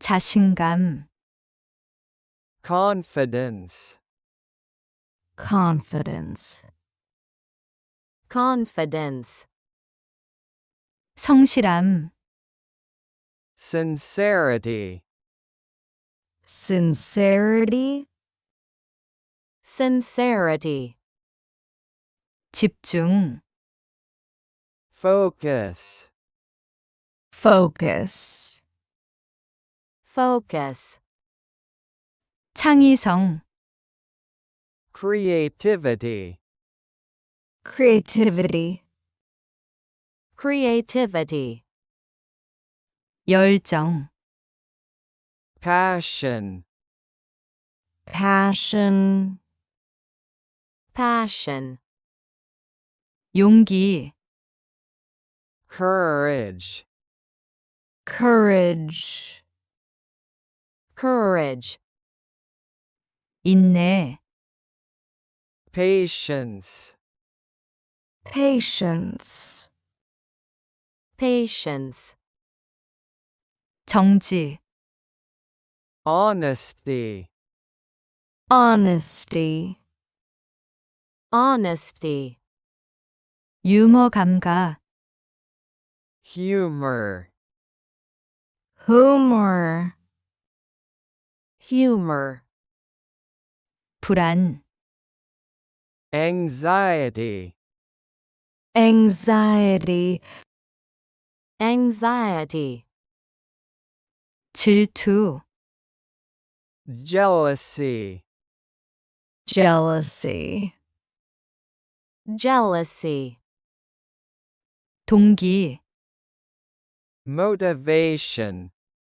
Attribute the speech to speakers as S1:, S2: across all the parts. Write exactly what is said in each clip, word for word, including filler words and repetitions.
S1: 자신감,
S2: confidence,
S3: confidence,
S4: confidence,
S1: 성실함,
S2: sincerity,
S3: sincerity,
S4: sincerity,
S1: 집중,
S2: focus,
S3: focus,
S4: focus,
S1: 창의성,
S2: creativity,
S3: creativity,
S4: creativity,
S1: 열정,
S2: passion,
S3: passion,
S4: passion,
S1: 용기,
S2: courage,
S3: courage,
S4: courage,
S1: 인내,
S2: patience,
S3: patience,
S4: patience,
S1: 정지,
S2: honesty,
S3: honesty,
S4: honesty,
S1: 유머 감각,
S2: humor,
S3: humor,
S4: humor,
S1: 불안,
S2: anxiety,
S3: anxiety,
S4: anxiety,
S1: 질투,
S2: jealousy,
S3: jealousy,
S4: jealousy,
S1: 동기,
S2: motivation,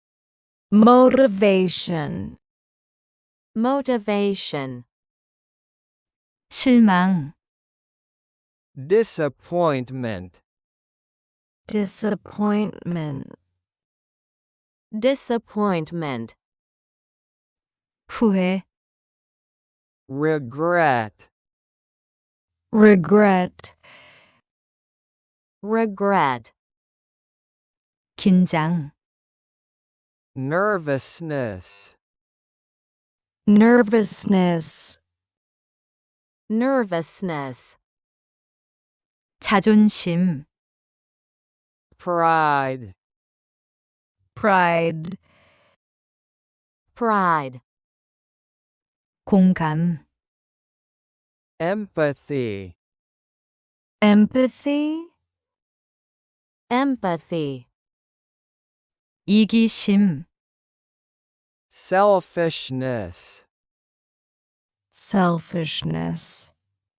S3: motivation,
S4: motivation,
S1: 실망,
S2: disappointment,
S3: disappointment,
S4: disappointment,
S1: 후회,
S2: regret,
S3: regret,
S4: regret,
S1: 긴장,
S2: nervousness,
S3: nervousness,
S4: nervousness,
S1: 자존심,
S2: pride,
S3: pride,
S4: pride,
S1: 공감,
S2: empathy,
S3: empathy,
S4: empathy,
S1: 이기심,
S2: selfishness,
S3: selfishness,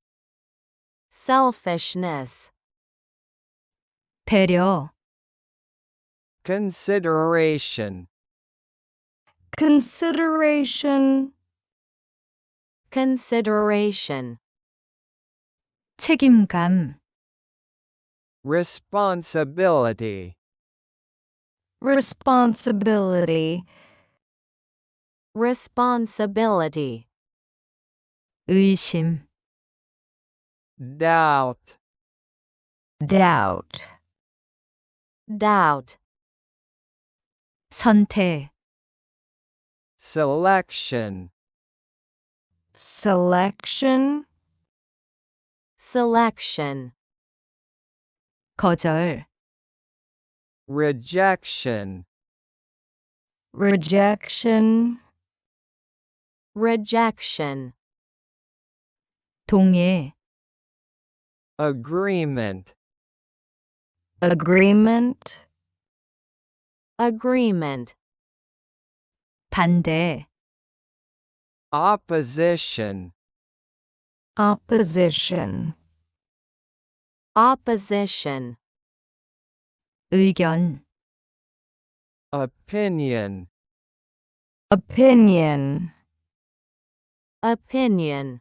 S4: selfishness,
S1: 배려,
S2: consideration,
S3: consideration,
S4: consideration,
S1: 책임감,
S2: responsibility,
S3: responsibility,
S4: responsibility,
S1: 의심,
S2: doubt,
S3: doubt,
S4: doubt,
S1: 선택,
S2: selection,
S3: selection,
S4: selection,
S1: 거절,
S2: rejection,
S3: rejection,
S4: rejection,
S1: 동의,
S2: agreement,
S3: agreement,
S4: agreement,
S1: 반대,
S2: opposition,
S3: opposition,
S4: opposition,
S1: 의견,
S2: opinion,
S3: opinion,
S4: opinion,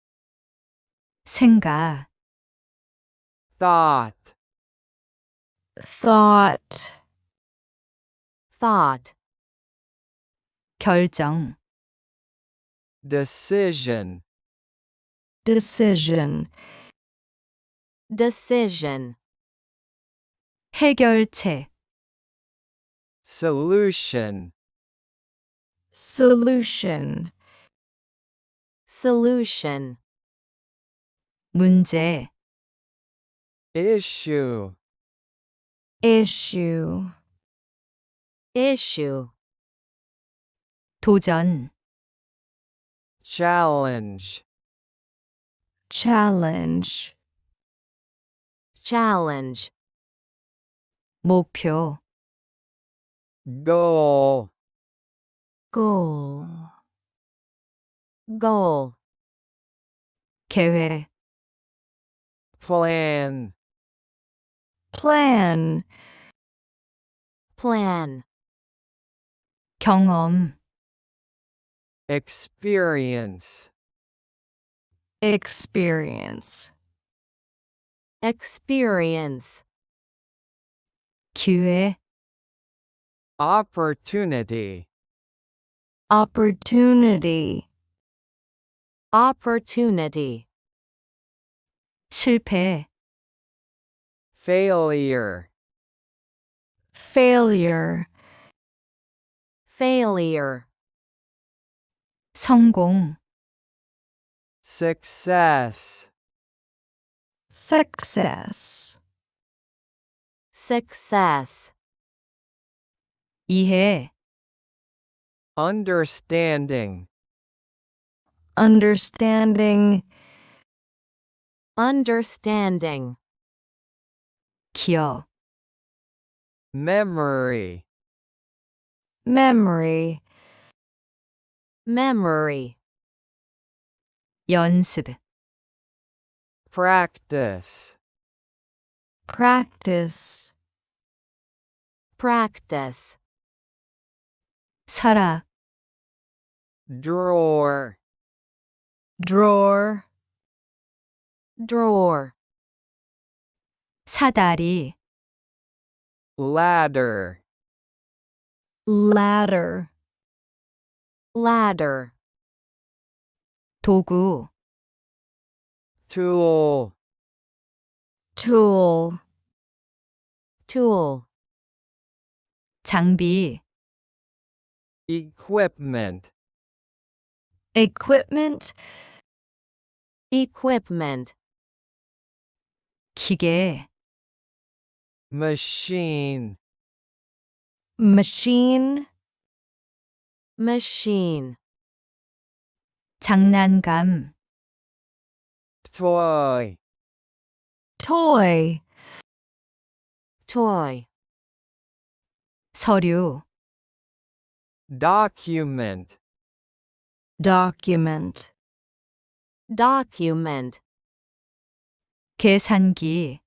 S1: 생각,
S2: thought,
S3: thought,
S4: thought,
S1: 결정,
S2: decision,
S3: decision,
S4: decision,
S1: 해결책,
S2: solution,
S3: solution,
S4: solution,
S1: 문제,
S2: issue,
S3: issue,
S4: issue,
S1: 도전,
S2: challenge,
S3: challenge,
S4: challenge,
S1: 목표,
S2: goal,
S3: goal,
S4: goal,
S1: 계획,
S2: plan,
S3: plan,
S4: plan,
S1: 경험,
S2: experience,
S3: experience,
S4: experience,
S1: 기회,
S2: opportunity,
S3: opportunity,
S4: opportunity,
S1: 실패,
S2: failure,
S3: failure,
S4: failure,
S1: 성공,
S2: success,
S3: success,
S4: success,
S1: 이해,
S2: understanding,
S3: understanding,
S4: understanding,
S1: 기억,
S2: memory,
S3: memory,
S4: memory,
S1: 연습,
S2: practice,
S3: practice,
S4: practice,
S1: 서랍,
S2: drawer,
S3: drawer,
S4: drawer,
S1: 사다리,
S2: ladder,
S3: ladder,
S4: ladder,
S1: 도구,
S2: tool,
S3: tool,
S4: tool,
S1: 장비,
S2: equipment,
S3: equipment,
S4: equipment,
S1: 기계,
S2: machine,
S3: machine,
S4: machine,
S1: 장난감,
S2: toy,
S3: toy,
S4: toy,
S1: 서류,
S2: document,
S3: document,
S4: document,
S1: 계산기,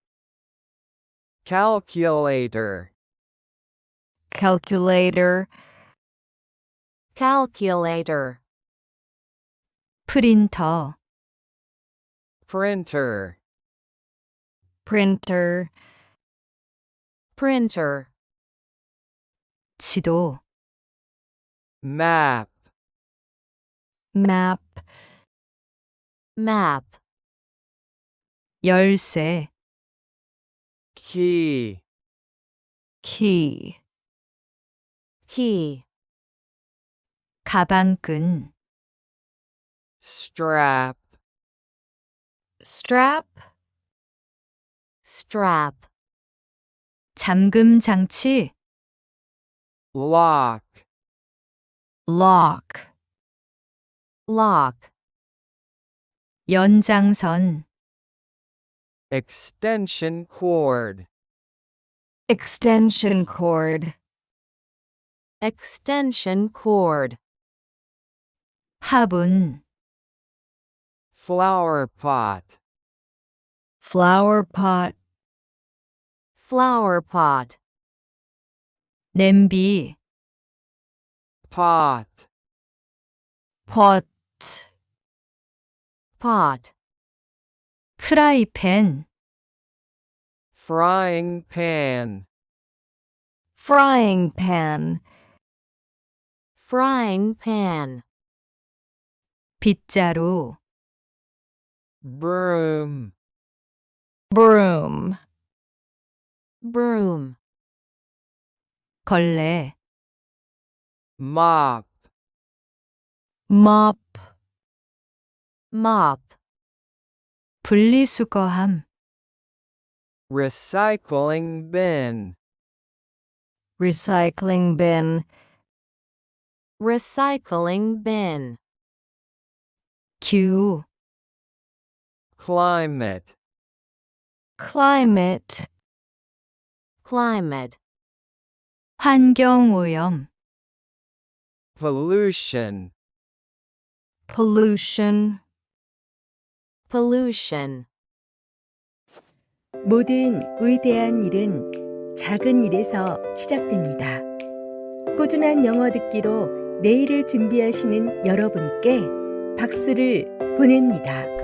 S2: calculator,
S3: calculator,
S4: calculator,
S1: 프린터,
S2: printer,
S3: printer,
S4: printer,
S1: 지도,
S2: map,
S3: map,
S4: map,
S1: 열쇠,
S2: key,
S3: key,
S4: key,
S1: 가방끈,
S2: strap,
S3: strap,
S4: strap,
S1: 잠금 장치,
S2: lock,
S3: lock,
S4: lock,
S1: 연장선,
S2: extension cord,
S3: extension cord,
S4: extension cord,
S1: 화분,
S2: flower pot,
S3: flower pot,
S4: flower pot,
S1: 냄비,
S2: pot,
S3: pot,
S4: pot,
S1: 프라이팬,
S2: frying pan,
S3: frying pan,
S4: frying pan,
S1: 빗자루,
S2: broom,
S3: broom,
S4: broom,
S1: 걸레,
S2: mop,
S3: mop,
S4: mop,
S1: 분리수거함,
S2: recycling bin,
S3: recycling bin,
S4: recycling bin,
S1: 기후,
S2: climate,
S3: climate,
S4: climate,
S1: 환경오염,
S2: pollution,
S3: pollution,
S4: pollution.
S5: 모든 위대한 일은 작은 일에서 시작됩니다. 꾸준한 영어 듣기로 내일을 준비하시는 여러분께 박수를 보냅니다.